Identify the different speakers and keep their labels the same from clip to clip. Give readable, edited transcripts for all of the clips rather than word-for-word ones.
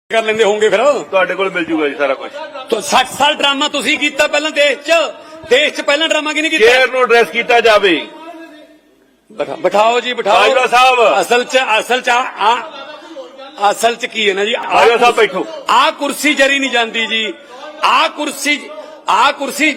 Speaker 1: ਕਰ ਲੈਂਦੇ ਹੋਵੋਗੇ ਫਿਰ
Speaker 2: ਤੁਹਾਡੇ ਕੋਲ ਮਿਲ ਜੂਗਾ ਜੀ ਸਾਰਾ ਕੁਝ।
Speaker 1: तो 60 साल ड्रामा ਤੁਸੀਂ ਕੀਤਾ ਪਹਿਲਾਂ ਦੇਸ਼ 'ਚ ਪਹਿਲਾਂ ਡਰਾਮਾ ਕਿਹਨੇ ਕੀਤਾ?
Speaker 2: ਚੇਅਰ ਨੂੰ ਐਡਰੈਸ ਕੀਤਾ ਜਾਵੇ।
Speaker 1: ਬਿਠਾਓ ਜੀ ਬਿਠਾਓ।
Speaker 2: ਬਾਜਵਾ ਸਾਹਿਬ
Speaker 1: ਅਸਲ ਚ ਕੀ ਹੈ ਨਾ ਜੀ,
Speaker 2: ਬਾਜਵਾ ਸਾਹਿਬ ਬੈਠੋ।
Speaker 1: ਆ ਕੁਰਸੀ ਜਰੀ ਨਹੀਂ ਜਾਂਦੀ ਜੀ। ਆ ਕੁਰਸੀ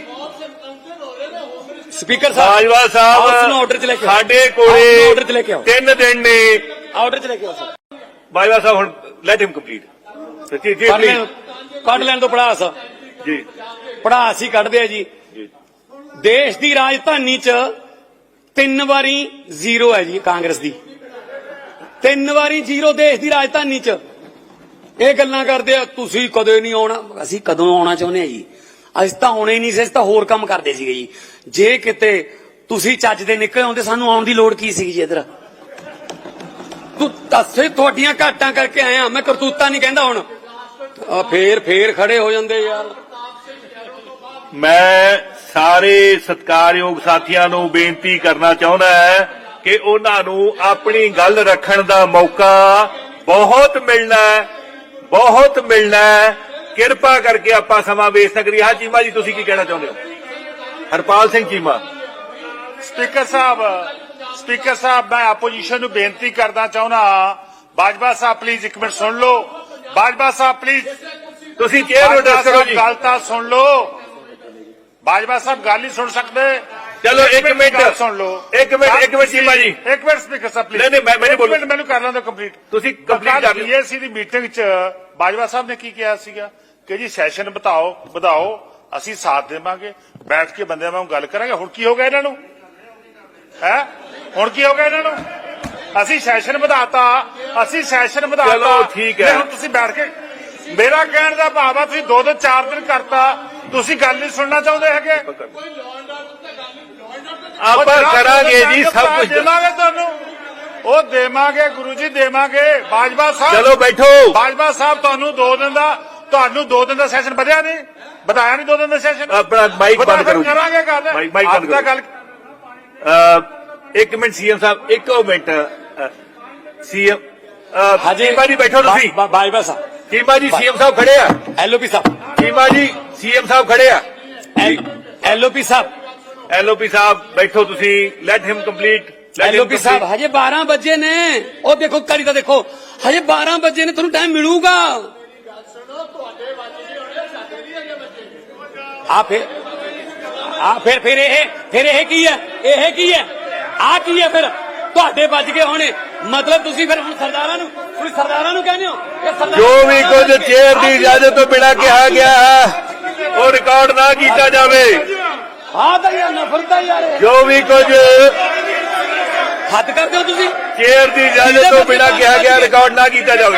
Speaker 1: ਸਪੀਕਰ ਸਾਹਿਬ
Speaker 2: ਬਾਜਵਾ ਸਾਹਿਬ
Speaker 1: ਆਰਡਰ ਚ ਲੈ ਕੇ
Speaker 2: ਸਾਡੇ ਕੋਲੇ
Speaker 1: ਆਰਡਰ ਚ ਲੈ ਕੇ ਆਓ।
Speaker 2: 3 ਦਿਨ ਨੇ।
Speaker 1: ਆਰਡਰ ਚ ਲੈ ਕੇ ਆਓ ਸਰ।
Speaker 2: ਬਾਜਵਾ ਸਾਹਿਬ ਹੁਣ ਲੈਟ ਹਿਮ ਕੰਪਲੀਟ। ਜੀ ਜੀ
Speaker 1: ਕੱਢ ਲੈਣ ਤੋਂ ਪੜਾਸ
Speaker 2: ਜੀ
Speaker 1: ਪੜਾਸ ਹੀ ਕੱਢਦੇ ਆ ਜੀ। ਦੇਸ਼ ਦੀ ਰਾਜਧਾਨੀ ਚ 3 ਵਾਰੀ ਜ਼ੀਰੋ ਹੈ ਜੀ ਕਾਂਗਰਸ ਦੀ। 3 ਵਾਰੀ ਜ਼ੀਰੋ ਦੇਸ਼ ਦੀ ਰਾਜਧਾਨੀ ਚ। ਇਹ ਗੱਲਾਂ ਕਰਦੇ ਆ ਤੁਸੀਂ ਕਦੇ ਨਹੀਂ ਆਉਣਾ। ਅਸੀਂ ਕਦੋਂ ਆਉਣਾ ਚਾਹੁੰਦੇ ਆ ਜੀ? ਅਸੀਂ ਤਾਂ ਆਉਣੇ ਹੀ ਨਹੀਂ ਸੀ, ਅਸੀਂ ਤਾਂ ਹੋਰ ਕੰਮ ਕਰਦੇ ਸੀਗੇ ਜੀ। ਜੇ ਕਿਤੇ ਤੁਸੀਂ ਚੱਜ ਦੇ ਨਿਕਲ ਆਉਂਦੇ ਸਾਨੂੰ ਆਉਣ ਦੀ ਲੋੜ ਕੀ ਸੀ ਜੀ? ਇੱਧਰ ਤੂੰ ਦੱਸੇ ਤੁਹਾਡੀਆਂ ਘਾਟਾਂ ਕਰਕੇ ਆਇਆ ਮੈਂ, ਕਰਤੂਤਾਂ ਨਹੀਂ ਕਹਿੰਦਾ ਹੁਣ। ਫੇਰ ਖੜੇ ਹੋ ਜਾਂਦੇ ਯਾਰ।
Speaker 2: ਮੈਂ ਸਾਰੇ ਸਤਿਕਾਰਯੋਗ ਸਾਥੀਆਂ ਨੂੰ ਬੇਨਤੀ ਕਰਨਾ ਚਾਹੁੰਦਾ ਹੈ ਕਿ ਉਹਨਾਂ ਨੂੰ ਆਪਣੀ ਗੱਲ ਰੱਖਣ ਦਾ ਮੌਕਾ ਬਹੁਤ ਮਿਲਣਾ ਹੈ। ਕਿਰਪਾ ਕਰਕੇ ਆਪਾਂ ਸਮਾਂ ਵੇਸਟ ਨਾ ਕਰੀਏ। ਹਾਂ ਚੀਮਾ ਜੀ ਤੁਸੀਂ ਕੀ ਕਹਿਣਾ ਚਾਹੁੰਦੇ ਹੋ? ਹਰਪਾਲ ਸਿੰਘ ਚੀਮਾ।
Speaker 3: ਸਪੀਕਰ ਸਾਹਿਬ ਮੈਂ ਆਪੋਜੀਸ਼ਨ ਨੂੰ ਬੇਨਤੀ ਕਰਨਾ ਚਾਹੁੰਦਾ। ਬਾਜਵਾ ਸਾਹਿਬ ਪਲੀਜ਼ ਇੱਕ ਮਿੰਟ ਸੁਣ ਲਓ। ਬਾਜਵਾ ਸਾਹਿਬ ਪਲੀਜ਼
Speaker 2: ਤੁਸੀਂ ਚੇਅਰ ਨੂੰ ਐਡਰੈਸ ਕਰੋ ਜੀ।
Speaker 3: ਗੱਲ ਤਾਂ ਸੁਣ ਲਓ। ਬਾਜਵਾ ਸਾਹਿਬ ਗੱਲ ਨਹੀਂ ਸੁਣ ਸਕਦੇ।
Speaker 2: ਚਲੋ ਇੱਕ ਮਿੰਟ
Speaker 3: ਸੁਣ ਲਓ।
Speaker 2: ਇੱਕ ਮਿੰਟ ਚੀਮਾ ਜੀ
Speaker 3: ਇੱਕ ਮਿੰਟ ਸਪੀਕਰ ਸਾਹਿਬ ਪਲੀਜ਼।
Speaker 2: ਨਹੀਂ ਮੈਂ ਬੋਲੂੰ।
Speaker 3: ਮੈਨੂੰ ਕਰ ਲੈਂਦਾ ਕੰਪਲੀਟ।
Speaker 2: ਤੁਸੀਂ ਕੰਪਲੀਟ ਕਰ ਲਿਓ।
Speaker 3: ਬੀਐਸਸੀ ਦੀ ਮੀਟਿੰਗ 'ਚ ਬਾਜਵਾ ਸਾਹਿਬ ਨੇ ਕੀ ਕਿਹਾ ਸੀਗਾ ਕਿ ਜੀ ਸੈਸ਼ਨ ਵਧਾਓ ਅਸੀਂ ਸਾਥ ਦੇਵਾਂਗੇ, ਬੈਠ ਕੇ ਬੰਦਿਆਂ ਵਾਂਗ ਗੱਲ ਕਰਾਂਗੇ। ਹੁਣ ਕੀ ਹੋ ਗਿਆ ਇਹਨਾਂ ਨੂੰ? ਹੁਣ ਕੀ ਹੋ ਗਿਆ ਇਹਨਾਂ ਨੂੰ? ਅਸੀਂ ਸੈਸ਼ਨ ਵਧਾਤਾ।
Speaker 2: ਚਲੋ ਠੀਕ ਹੈ।
Speaker 3: ਹੁਣ ਤੁਸੀਂ ਬੈਠ ਕੇ ਮੇਰਾ ਕਹਿਣ ਦਾ ਭਾਵ ਆ ਤੁਸੀਂ 2 4 ਦਿਨ ਕਰਤਾ। ਤੁਸੀਂ ਗੱਲ ਨਹੀਂ ਸੁਣਨਾ ਚਾਹੁੰਦੇ ਹੈਗੇ।
Speaker 2: ਆਪਾਂ ਕਰਾਂਗੇ ਜੀ ਸਭ ਕੁਝ।
Speaker 3: ਦੇਵਾਂਗੇ ਤੁਹਾਨੂੰ, ਉਹ ਦੇਵਾਂਗੇ ਗੁਰੂ ਜੀ ਦੇਵਾਂਗੇ। ਬਾਜਵਾ ਸਾਹਿਬ
Speaker 2: ਚਲੋ ਬੈਠੋ।
Speaker 3: ਬਾਜਵਾ ਸਾਹਿਬ ਤੁਹਾਨੂੰ 2 ਦਿਨ ਦਾ ਸੈਸ਼ਨ ਵਧਾਇਆ ਨਹੀਂ 2 ਦਿਨ ਦਾ ਸੈਸ਼ਨ।
Speaker 2: ਆਪਣਾ ਮਾਈਕ ਬੰਦ ਕਰੋ ਜੀ।
Speaker 3: ਕਰਾਂਗੇ ਗੱਲ।
Speaker 2: ਮਾਈਕ ਬੰਦ ਕਰੋ। ਇੱਕ ਮਿੰਟ ਸੀਐਮ ਸਾਹਿਬ, ਇੱਕ ਮਿੰਟ ਸੀਐਮ ਚੀਮਾ ਜੀ ਬੈਠੋ ਤੁਸੀਂ।
Speaker 1: ਬਾਜਵਾ ਸਾਹਿਬ
Speaker 2: ਚੀਮਾ ਜੀ ਸੀਐਮ ਸਾਹਿਬ ਖੜੇ ਆ।
Speaker 1: ਐਲਓਪੀ ਸਾਹਿਬ
Speaker 2: ਚੀਮਾ ਜੀ ਸੀਐਮ ਸਾਹਿਬ ਖੜੇ ਆ।
Speaker 1: ਐਲਓਪੀ ਸਾਹਿਬ
Speaker 2: ਬੈਠੋ ਤੁਸੀਂ। Let him complete.
Speaker 1: ਐਲਓਪੀ ਸਾਹਿਬ ਹਜੇ 12 ਵਜੇ ਨੇ। ਉਹ ਦੇਖੋ ਕਰੀ ਤਾਂ ਦੇਖੋ ਹਜੇ 12 ਵਜੇ ਨੇ, ਤੁਹਾਨੂੰ ਟਾਈਮ ਮਿਲੂਗਾ। ਫਿਰ ਇਹ ਕੀ ਹੈ? ਆ ਕੀ ਹੈ ਫਿਰ? ਤੁਹਾਡੇ ਵੱਜ ਗਏ ਹੋਣੇ ਮਤਲਬ ਤੁਸੀਂ ਫਿਰ ਹੁਣ ਸਰਦਾਰਾਂ ਨੂੰ ਕਹਿੰਦੇ ਹੋ
Speaker 2: ਜੋ ਵੀ ਕੁਝ ਚੇਅਰ ਦੀ ਇਜਾਜ਼ਤ ਤੋਂ ਬਿਨਾਂ ਕਿਹਾ ਗਿਆ ਹੈ ਉਹ ਰਿਕਾਰਡ ਨਾ ਕੀਤਾ ਜਾਵੇ।
Speaker 1: ਹਾਂ ਤਾਂ ਯਾਰ ਨਫ਼ਰਤ ਹੈ ਯਾਰ।
Speaker 2: ਜੋ ਵੀ ਕੁਝ
Speaker 1: ਹੱਦ ਕਰਦੇ ਹੋ ਤੁਸੀਂ।
Speaker 2: ਚੇਅਰ ਦੀ ਇਜਾਜ਼ਤ ਤੋਂ ਬਿਨਾਂ ਕਿਹਾ ਗਿਆ ਰਿਕਾਰਡ ਨਾ ਕੀਤਾ ਜਾਵੇ।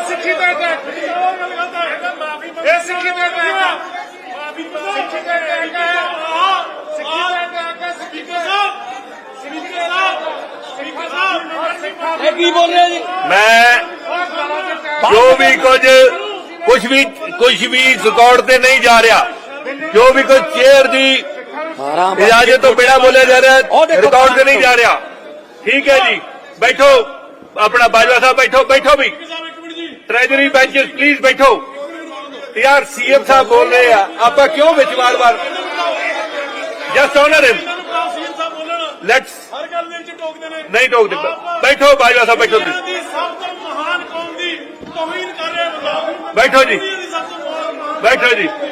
Speaker 1: ਇਹ ਕੀ ਬੋਲ ਰਹੇ ਜੀ?
Speaker 2: ਮੈਂ ਜੋ ਵੀ ਕੁਝ ਵੀ ਰਿਕਾਰਡ ਤੇ ਨਹੀਂ ਜਾ ਰਿਹਾ। ਜੋ ਵੀ ਕੁਝ ਚੇਅਰ ਦੀ ਇਜਾਜ਼ਤ ਤੋਂ ਬਿਨਾਂ ਬੋਲਿਆ ਜਾ ਰਿਹਾ ਰਿਕਾਰਡ ਤੇ ਨਹੀਂ ਜਾ ਰਿਹਾ। ਠੀਕ ਹੈ ਜੀ ਬੈਠੋ। ਆਪਣਾ ਬਾਜਵਾ ਸਾਹਿਬ ਬੈਠੋ ਵੀ। ਟ੍ਰੈਜਰੀ ਬੈਂਚ ਪਲੀਜ਼ ਬੈਠੋ ਯਾਰ। ਸੀਐਮ ਸਾਹਿਬ ਬੋਲ ਰਹੇ ਆ, ਆਪਾਂ ਕਿਉਂ ਵਿੱਚ ਵਾਰ-ਵਾਰ? Just honour him. ਲੈਟਸ
Speaker 3: ਹਰ ਗੱਲ ਦੇ ਵਿੱਚ ਟੋਕਦੇ ਨੇ।
Speaker 2: ਨਹੀਂ ਟੋਕਦੇ। ਬੈਠੋ ਬਾਜਵਾ ਸਾਹਿਬ ਬੈਠੋ ਤੁਸੀਂ।
Speaker 3: ਸਭ ਤੋਂ ਮਹਾਨ ਕੌਮ ਦੀ ਤੋਹੀਨ ਕਰ ਰਹੇ ਹੋ।
Speaker 2: ਬੈਠੋ ਜੀ।